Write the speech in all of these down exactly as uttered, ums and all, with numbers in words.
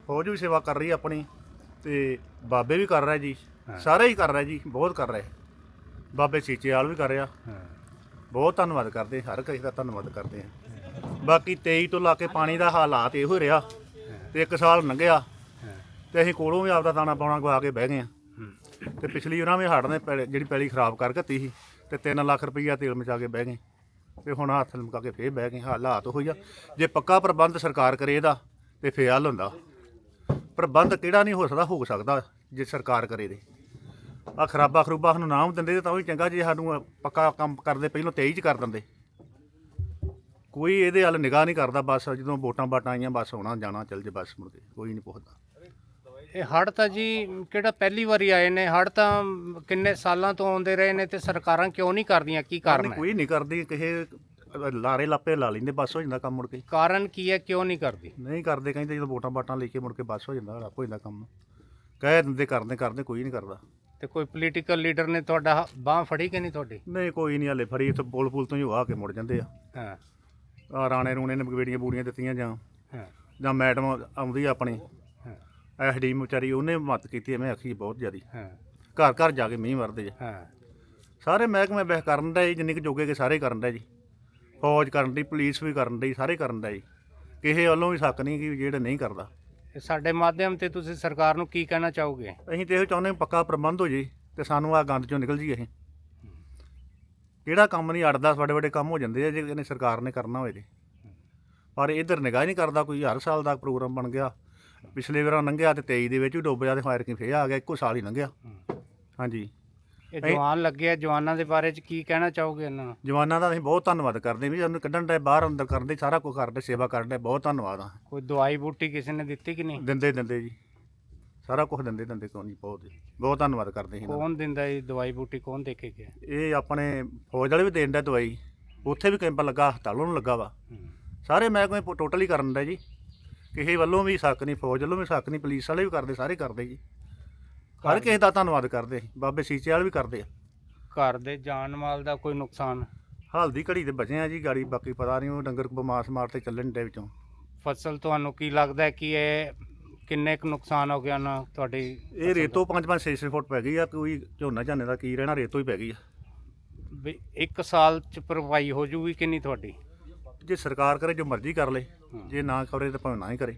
फौज भी सेवा कर रही है अपनी, तो बाबे भी कर रहे जी, सारे ही कर रहे जी, बहुत कर रहे। बाबे सीचे वाल भी कर रहा, बहुत धन्नवाद करते, हर किसी का धन्नवाद करते हैं। बाकी तेई तो ला के पानी का हालात यो रहा, तो एक साल लंघिया तो असीं कोलों भी आपदा दाना पाउणा गवा के बह गए। तो पिछली उन्होंने भी हड़ ने पैली जी पैली खराब कर घत्ती सी, तो तीन लाख रुपया तेल मचा के बह गए, तो हुण हत्थ लमका के फिर बह गए। हालात हो जा जे पक्का प्रबंध सरकार करे इहदा तो फिर हल हुंदा। प्रबंध किहड़ा नहीं हो सकदा, हो सकदा जे सरकार करे दे। आ खराबा खरूबा सानूं नाम दिंदे तां भी चंगा, जे सानूं पक्का काम करदे पहिलों तेई च कर दिंदे। कोई इहदे हल निगाह नहीं करदा, बस जदों वोटां वाटां आईयां बस आउणा जाना चल जे, बस मुड़ के कोई नहीं पुछदा। ਇਹ ਹੜ੍ਹ ਤਾਂ ਜੀ ਕਿਹੜਾ ਪਹਿਲੀ ਵਾਰੀ ਆਏ ਨੇ? ਹੜ੍ਹ ਤਾਂ ਕਿੰਨੇ ਸਾਲਾਂ ਤੋਂ ਆਉਂਦੇ ਰਹੇ ਨੇ, ਤੇ ਸਰਕਾਰਾਂ ਕਿਉਂ ਨਹੀਂ ਕਰਦੀਆਂ? ਕੀ ਕਾਰਨ ਹੈ? ਕੋਈ ਨਹੀਂ ਕਰਦੀ, ਕਿਸੇ ਲਾਰੇ ਲਾਪੇ ਲਾ ਲੈਂਦੇ, ਬਸ ਹੋ ਜਾਂਦਾ ਕੰਮ ਮੁੜ ਕੇ। ਕਾਰਨ ਕੀ ਹੈ, ਕਿਉਂ ਨਹੀਂ ਕਰਦੀ? ਨਹੀਂ ਕਰਦੇ, ਕਹਿੰਦੇ ਜਦੋਂ ਵੋਟਾਂ ਵਾਟਾਂ ਲੈ ਕੇ ਮੁੜ ਕੇ ਬਸ ਹੋ ਜਾਂਦਾ, ਰੱਬ ਹੋ ਜਾਂਦਾ ਕੰਮ। ਕਹਿ ਦਿੰਦੇ ਕਰਦੇ ਕਰਦੇ ਕੋਈ ਨਹੀਂ ਕਰਦਾ। ਤੇ ਕੋਈ ਪੋਲੀਟੀਕਲ ਲੀਡਰ ਨੇ ਤੁਹਾਡਾ ਬਾਂਹ ਫੜੀ ਕਿ ਨਹੀਂ ਤੁਹਾਡੀ? ਨਹੀਂ ਕੋਈ ਨਹੀਂ, ਹਾਲੇ ਫੜੀ, ਇੱਥੇ ਪੁਲ ਪੁਲ ਤੋਂ ਹੀ ਆ ਕੇ ਮੁੜ ਜਾਂਦੇ ਆ। ਹਾਂ, ਆ ਰਾਣੇ ਰੂਣੇ ਨੇ ਬੇੜੀਆਂ ਬੂੜੀਆਂ ਦਿੱਤੀਆਂ, ਜਾਂ ਹਾਂ, ਜਾਂ ਮੈਡਮ ਆਉਂਦੀ ਆ ਆਪਣੀ ਐਸ ਡੀ ਵਿਚਾਰੀ, ਉਹਨੇ ਮਦਦ ਕੀਤੀ, ਐਵੇਂ ਆਖੀ ਬਹੁਤ ਜ਼ਿਆਦੀ। ਹਾਂ, ਘਰ ਘਰ ਜਾ ਕੇ ਮੀਂਹ ਵਰਦੇ ਆ। ਹਾਂ, ਸਾਰੇ ਮਹਿਕਮੇ ਬਹਿ ਕਰਨ ਦਾ ਜੀ, ਜਿੰਨੇ ਕੁ ਜੋਗੇ ਕੇ ਸਾਰੇ ਕਰਨ ਦਾ ਜੀ। ਫੌਜ ਕਰਨ ਦੀ, ਪੁਲਿਸ ਵੀ ਕਰਨ ਦੀ, ਸਾਰੇ ਕਰਨ ਦਾ ਜੀ। ਕਿਸੇ ਵੱਲੋਂ ਵੀ ਸ਼ੱਕ ਨਹੀਂ ਕਿ ਜਿਹੜੇ ਨਹੀਂ ਕਰਦਾ। ਇਹ ਸਾਡੇ ਮਾਧਿਅਮ ਤੇ ਤੁਸੀਂ ਸਰਕਾਰ ਨੂੰ ਕੀ ਕਹਿਣਾ ਚਾਹੋਗੇ? ਅਸੀਂ ਤਾਂ ਇਹੋ ਚਾਹੁੰਦੇ ਹਾਂ ਪੱਕਾ ਪ੍ਰਬੰਧ ਹੋ ਜੇ ਤੇ ਸਾਨੂੰ ਆ ਗੰਦ ਚੋਂ ਨਿਕਲ ਜੀ। ਅਸੀਂ ਕਿਹੜਾ ਕੰਮ ਨਹੀਂ ਅੜਦਾ, ਵੱਡੇ ਵੱਡੇ ਕੰਮ ਹੋ ਜਾਂਦੇ ਆ ਜੇ ਇਹਨੇ ਸਰਕਾਰ ਨੇ ਕਰਨਾ ਹੋਏ ਤੇ। ਪਰ ਇੱਧਰ ਨਿਗਾਹ ਨਹੀਂ ਕਰਦਾ ਕੋਈ। ਹਰ ਸਾਲ ਦਾ ਪ੍ਰੋਗਰਾਮ ਬਣ ਗਿਆ, ਪਿਛਲੇ ਵਾਰ ਲੰਘਿਆ ਤੇ ਤੇਈ ਦੇ ਵਿੱਚ ਵੀ ਡੁੱਬ ਜਾ ਤੇ ਫਾਇਰ ਕੀ ਫੇਰ ਆ ਗਿਆ, ਇੱਕੋ ਸਾਲ ਹੀ ਲੰਘਿਆ। ਹਾਂਜੀ, ਇਹ ਜਵਾਨ ਲੱਗੇ ਆ, ਜਵਾਨਾਂ ਦੇ ਬਾਰੇ ਚ ਕੀ ਕਹਿਣਾ ਚਾਹੋਗੇ ਇਹਨਾਂ ਨੂੰ? ਜਵਾਨਾਂ ਦਾ ਅਸੀਂ ਬਹੁਤ ਧੰਨਵਾਦ ਕਰਦੇ ਵੀ ਸਾਨੂੰ ਕੱਢਣ ਦੇ, ਬਾਹਰ ਅੰਦਰ ਕਰਨ ਦੇ, ਸਾਰਾ ਕੁਝ ਕਰਦੇ, ਸੇਵਾ ਕਰਨ ਦੇ, ਬਹੁਤ ਧੰਨਵਾਦ ਆ। ਕੋਈ ਦਵਾਈ ਬੂਟੀ ਕਿਸੇ ਨੇ ਦਿੱਤੀ ਕਿ ਨਹੀਂ? ਦਿੰਦੇ ਦਿੰਦੇ ਜੀ, ਸਾਰਾ ਕੁਝ ਦਿੰਦੇ ਦਿੰਦੇ ਕੋਈ ਨਹੀਂ, ਬਹੁਤ ਬਹੁਤ ਧੰਨਵਾਦ ਕਰਦੇ ਸੀ। ਕੌਣ ਦਿੰਦਾ ਇਹ ਦਵਾਈ ਬੂਟੀ, ਕੌਣ ਦੇ ਕੇ ਗਿਆ? ਇਹ ਆਪਣੇ ਫੌਜ ਵਾਲੇ ਵੀ ਦੇਣ ਦਾ ਦਵਾਈ, ਉੱਥੇ ਵੀ ਕੈਂਪ ਲੱਗਾ, ਹਸਪਤਾਲੋਂ ਨੂੰ ਲੱਗਾ ਵਾ। ਸਾਰੇ ਮਹਿਕਮੇ ਟੋਟਲ ਹੀ ਕਰਨ ਦਾ ਜੀ, ਕਿਸੇ ਵੱਲੋਂ ਵੀ ਸ਼ੱਕ ਨਹੀਂ, ਫੌਜ ਵੱਲੋਂ ਵੀ ਸ਼ੱਕ ਨਹੀਂ, ਪੁਲਿਸ ਵਾਲੇ ਵੀ ਕਰਦੇ, ਸਾਰੇ ਕਰਦੇ ਜੀ। ਹਰ ਕਿਸੇ ਦਾ ਧੰਨਵਾਦ ਕਰਦੇ, ਬਾਬੇ ਸੀਚੇ ਵਾਲੇ ਵੀ ਕਰਦੇ ਆ। ਘਰ ਦੇ ਜਾਨ ਮਾਲ ਦਾ ਕੋਈ ਨੁਕਸਾਨ? ਹਾਲ ਦੀ ਘੜੀ ਤੇ ਬਚੇ ਆ ਜੀ, ਗਾੜੀ ਬਾਕੀ ਪਤਾ ਨਹੀਂ, ਉਹ ਡੰਗਰ ਬਿਮਾਰ ਸਮਾਰ ਤੇ ਚੱਲਣ ਦੇ ਵਿੱਚੋਂ। ਫਸਲ ਤੁਹਾਨੂੰ ਕੀ ਲੱਗਦਾ ਹੈ ਕਿ ਇਹ ਕਿੰਨੇ ਕੁ ਨੁਕਸਾਨ ਹੋ ਗਿਆ ਨਾ ਤੁਹਾਡੀ? ਇਹ ਰੇਤੋਂ ਪੰਜ ਪੰਜ ਛੇ ਛੇ ਫੁੱਟ ਪੈ ਗਈ ਆ। ਕੋਈ ਝੋਨਾ ਝਾਨੇ ਦਾ ਕੀ ਰਹਿਣਾ, ਰੇਤੋਂ ਹੀ ਪੈ ਗਈ ਆ। ਵੀ ਇੱਕ ਸਾਲ ਚ ਭਰਪਾਈ ਹੋ ਜੂਗੀ ਕਿ ਨਹੀਂ ਤੁਹਾਡੀ? ਜੇ ਸਰਕਾਰ ਕਰੇ ਜੋ ਮਰਜ਼ੀ ਕਰ ਲੇ, ਜੇ ਨਾ ਕਰੇ ਤਾਂ ਭਾਵੇਂ ਨਾ ਹੀ ਕਰੇ।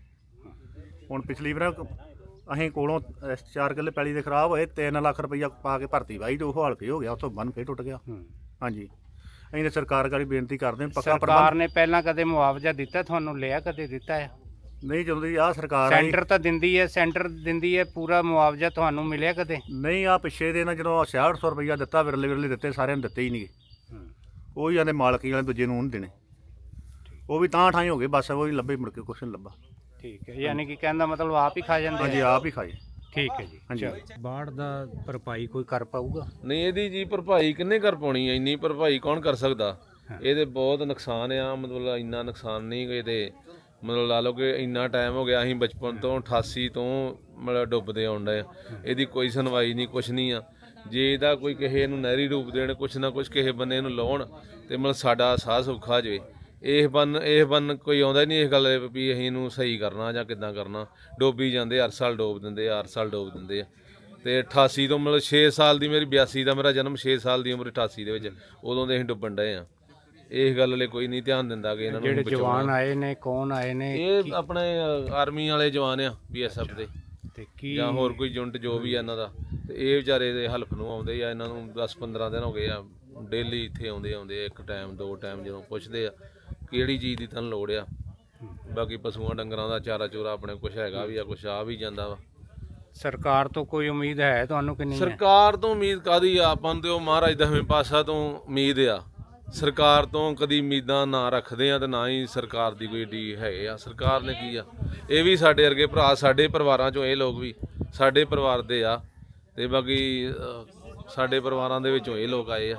ਹੁਣ ਪਿਛਲੀ ਵਾਰ ਅਸੀਂ ਕੋਲੋਂ ਚਾਰ ਕਿੱਲੇ ਪੈਲੀ ਦੇ ਖਰਾਬ ਹੋਏ, ਤਿੰਨ ਲੱਖ ਰੁਪਈਆ ਪਾ ਕੇ ਭਰਤੀ ਵਾਹੀ ਤੇ ਉਹ ਹਾਲ ਫੇ ਹੋ ਗਿਆ, ਉੱਥੋਂ ਬੰਨ ਫੇਰ ਟੁੱਟ ਗਿਆ। ਹਾਂਜੀ, ਅਸੀਂ ਤਾਂ ਸਰਕਾਰ ਗਾੜੀ ਬੇਨਤੀ ਕਰਦੇ ਹਾਂ ਪੱਕਾ ਸਰਕਾਰ ਨੇ ਪਹਿਲਾਂ ਕਦੇ ਮੁਆਵਜ਼ਾ ਦਿੱਤਾ ਤੁਹਾਨੂੰ? ਲਿਆ ਕਦੇ ਦਿੱਤਾ ਹੈ? ਨਹੀਂ, ਜਦੋਂ ਦੀ ਆਹ ਸਰਕਾਰ ਆਈ ਸੈਂਟਰ ਤਾਂ ਦਿੰਦੀ ਹੈ, ਸੈਂਟਰ ਦਿੰਦੀ ਹੈ ਪੂਰਾ ਮੁਆਵਜ਼ਾ, ਤੁਹਾਨੂੰ ਮਿਲਿਆ ਕਦੇ? ਨਹੀਂ, ਆ ਪਿੱਛੇ ਦੇ ਨਾ ਜਦੋਂ ਛਿਆਹਠ ਸੌ ਰੁਪਈਆ ਦਿੱਤਾ, ਵਿਰਲੇ ਵਿਰਲੇ ਦਿੱਤੇ, ਸਾਰਿਆਂ ਨੂੰ ਦਿੱਤੇ ਹੀ ਨਹੀਂ। ਉਹ ਹੀ ਆਂਦੇ ਮਾਲਕੀ ਵਾਲੇ ਦੂਜੇ ਨੂੰ ਨਹੀਂ ਦੇਣੇ, ਉਹ ਵੀ ਤਾਂ ਠਾਈ ਹੋ ਗਏ, ਬਸ ਉਹ ਹੀ ਲੱਭੇ, ਮੁੜ ਕੇ ਕੁਛ ਨਹੀਂ ਲੱਭਾ। ਠੀਕ ਹੈ, ਯਾਨੀ ਕਿ ਕਹਿੰਦਾ ਮਤਲਬ ਆਪ ਹੀ ਖਾ ਜਾਂਦੇ? ਹਾਂਜੀ, ਆਪ ਹੀ ਖਾਏ। ਠੀਕ ਹੈ ਜੀ। ਹਾਂਜੀ, ਬਾੜ ਦਾ ਭਰਪਾਈ ਕੋਈ ਕਰ ਪਾਊਗਾ? ਨਹੀਂ, ਇਹਦੀ ਜੀ ਭਰਪਾਈ ਕਿੰਨੇ ਕਰ ਪਾਉਣੀ ਹੈ? ਇੰਨੀ ਭਰਪਾਈ ਕੌਣ ਕਰ ਸਕਦਾ? ਇਹਦੇ ਬਹੁਤ ਨੁਕਸਾਨ ਆ, ਮਤਲਬ ਇੰਨਾ ਨੁਕਸਾਨ ਨਹੀਂ ਕਿ ਇਹਦੇ ਮਤਲਬ ਲਾ ਲਓ ਕਿ ਇੰਨਾ ਟਾਈਮ ਹੋ ਗਿਆ, ਅਸੀਂ ਬਚਪਨ ਤੋਂ ਅਠਾਸੀ ਤੋਂ ਮਤਲਬ ਡੁੱਬਦੇ ਆਉਣ ਡਏ। ਇਹਦੀ ਕੋਈ ਸੁਣਵਾਈ ਨਹੀਂ, ਕੁਛ ਨਹੀਂ ਆ। ਜੇ ਇਹਦਾ ਕੋਈ ਕਿਸੇ ਨੂੰ ਨਹਿਰੀ ਰੂਪ ਦੇਣ, ਕੁਛ ਨਾ ਕੁਛ ਕਿਸੇ ਬੰਨੇ ਨੂੰ ਲਾਉਣ ਤੇ ਮਤਲਬ ਸਾਡਾ ਸਾਹ ਸੌਖਾ ਜਾਵੇ। ਇਹ ਬੰਨ ਇਹ ਬੰਨ ਕੋਈ ਆਉਂਦਾ ਨਹੀਂ ਇਸ ਗੱਲ ਵੀ ਅਸੀਂ ਇਹਨੂੰ ਸਹੀ ਕਰਨਾ ਜਾਂ ਕਿੱਦਾਂ ਕਰਨਾ। ਡੋਬੀ ਜਾਂਦੇ, ਹਰ ਸਾਲ ਡੋਬ ਦਿੰਦੇ ਆ, ਹਰ ਸਾਲ ਡੋਬ ਦਿੰਦੇ ਆ। ਤੇ ਅਠਾਸੀ ਤੋਂ ਮਤਲਬ ਛੇ ਸਾਲ ਦੀ ਮੇਰੀ, ਬਿਆਸੀ ਦਾ ਮੇਰਾ ਜਨਮ, ਛੇ ਸਾਲ ਦੀ ਉਮਰ ਅਠਾਸੀ ਦੇ ਵਿੱਚ, ਉਦੋਂ ਦੇ ਅਸੀਂ ਡੁੱਬਣ ਡਏ ਆ। ਇਸ ਗੱਲ ਲਈ ਕੋਈ ਨਹੀਂ ਧਿਆਨ ਦਿੰਦਾ ਕਿ ਇਹਨਾਂ ਨੂੰ ਜਿਹੜੇ ਜਵਾਨ ਆਏ ਨੇ, ਕੌਣ ਆਏ ਨੇ? ਇਹ ਆਪਣੇ ਆਰਮੀ ਵਾਲੇ ਜਵਾਨ ਆ, ਬੀ ਐਸ ਐਫ ਦੇ, ਤੇ ਕੀ ਜਾਂ ਹੋਰ ਕੋਈ ਯੂਨਿਟ ਜੋ ਵੀ ਆ ਇਹਨਾਂ ਦਾ। ਤੇ ਇਹ ਵਿਚਾਰੇ ਦੇ ਹੈਲਪ ਨੂੰ ਆਉਂਦੇ ਆ। ਇਹਨਾਂ ਨੂੰ ਦਸ ਪੰਦਰਾਂ ਦਿਨ ਹੋ ਗਏ ਆ, ਡੇਲੀ ਇੱਥੇ ਆਉਂਦੇ ਆਉਂਦੇ ਇੱਕ ਟਾਈਮ ਦੋ ਟਾਈਮ ਜਦੋਂ ਪੁੱਛਦੇ ਆ ਕਿਹੜੀ ਚੀਜ਼ ਦੀ ਤੁਹਾਨੂੰ ਲੋੜ ਆ। ਬਾਕੀ ਪਸ਼ੂਆਂ ਡੰਗਰਾਂ ਦਾ ਚਾਰਾ ਚੂਰਾ ਆਪਣੇ ਕੁਛ ਹੈਗਾ ਵੀ ਆ, ਕੁਛ ਆ ਵੀ ਜਾਂਦਾ ਵਾ। ਸਰਕਾਰ ਤੋਂ ਕੋਈ ਉਮੀਦ ਹੈ ਤੁਹਾਨੂੰ ਕਿ ਨਹੀਂ? ਸਰਕਾਰ ਤੋਂ ਉਮੀਦ ਕਾਹਦੀ ਆ? ਆਪਾਂ ਨੂੰ ਤੇ ਉਹ ਮਹਾਰਾਜ ਦਸਵੇਂ ਪਾਤਸ਼ਾਹ ਤੋਂ ਉਮੀਦ ਆ। ਸਰਕਾਰ ਤੋਂ ਕਦੀ ਉਮੀਦਾਂ ਨਾ ਰੱਖਦੇ ਆ ਤੇ ਨਾ ਹੀ ਸਰਕਾਰ ਦੀ ਕੋਈ ਡੀ ਹੈਗੇ ਆ। ਸਰਕਾਰ ਨੇ ਕੀ ਆ, ਇਹ ਵੀ ਸਾਡੇ ਵਰਗੇ ਭਰਾ, ਸਾਡੇ ਪਰਿਵਾਰਾਂ ਚੋਂ ਇਹ ਲੋਕ ਵੀ ਸਾਡੇ ਪਰਿਵਾਰ ਦੇ ਆ, ਤੇ ਬਾਕੀ ਸਾਡੇ ਪਰਿਵਾਰਾਂ ਦੇ ਵਿੱਚੋਂ ਇਹ ਲੋਕ ਆਏ ਆ।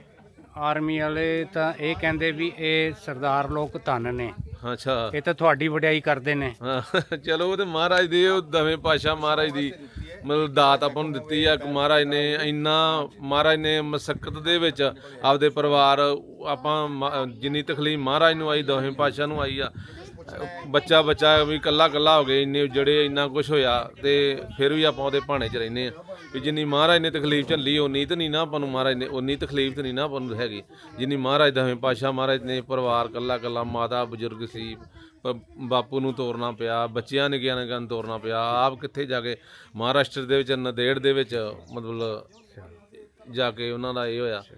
ਆਰਮੀ ਵਾਲੇ ਤਾਂ ਇਹ ਕਹਿੰਦੇ ਵੀ ਇਹ ਸਰਦਾਰ ਲੋਕ ਧੰਨ ਨੇ। ਅੱਛਾ, ਇਹ ਤਾਂ ਤੁਹਾਡੀ ਵਡਿਆਈ ਕਰਦੇ ਨੇ। ਹਾਂ ਚਲੋ, ਉਹ ਤੇ ਮਹਾਰਾਜ ਦੇ, ਉਹ ਦਵੇਂ ਪਾਤਸ਼ਾਹ ਮਹਾਰਾਜ ਦੀ ਮਤਲਬ ਦਾਤ ਆਪਾਂ ਨੂੰ ਦਿੱਤੀ ਆ ਕਿ ਮਹਾਰਾਜ ਨੇ ਇੰਨਾ, ਮਹਾਰਾਜ ਨੇ ਮਸਕਤ ਦੇ ਵਿੱਚ ਆਪਦੇ ਪਰਿਵਾਰ, ਆਪਾਂ ਜਿੰਨੀ ਤਕਲੀਫ ਮਹਾਰਾਜ ਨੂੰ ਆਈ, ਦਵੇਂ ਪਾਤਸ਼ਾਹ ਨੂੰ ਆਈ ਆ, ਬੱਚਾ ਬੱਚਾ ਵੀ ਕੱਲਾ ਕੱਲਾ ਹੋ ਗਏ, ਇੰਨੇ ਉਜੜੇ, ਇੰਨਾ ਕੁਝ ਹੋਇਆ, ਤੇ ਫਿਰ ਵੀ ਆਪਾਂ ਉਹਦੇ ਭਾਣੇ 'ਚ ਰਹਿੰਦੇ ਆ ਵੀ ਜਿੰਨੀ ਮਹਾਰਾਜ ਨੇ ਤਕਲੀਫ ਝੱਲੀ ਉਨੀ ਤਾਂ ਨਹੀਂ ਨਾ ਆਪਾਂ ਨੂੰ ਮਹਾਰਾਜ ਨੇ, ਉਨੀ ਤਕਲੀਫ ਤਾਂ ਨਹੀਂ ਨਾ ਆਪਾਂ ਨੂੰ ਹੈਗੀ ਜਿੰਨੀ ਮਹਾਰਾਜ ਦਸਵੇਂ ਪਾਤਸ਼ਾਹ ਮਹਾਰਾਜ ਨੇ। ਪਰਿਵਾਰ ਕੱਲਾ ਕੱਲਾ, ਮਾਤਾ ਬਜ਼ੁਰਗ ਸੀ, ਪ- ਬਾਪੂ ਨੂੰ ਤੋਰਨਾ ਪਿਆ, ਬੱਚਿਆਂ ਨੇ ਗਿਆਨ ਗਿਆਨ ਤੋਰਨਾ ਪਿਆ, ਆਪ ਕਿੱਥੇ ਜਾ ਕੇ ਮਹਾਰਾਸ਼ਟਰ ਦੇ ਵਿੱਚ ਨੰਦੇੜ ਦੇ ਵਿੱਚ ਮਤਲਬ ਜਾ ਕੇ ਉਹਨਾਂ ਦਾ ਇਹ ਹੋਇਆ।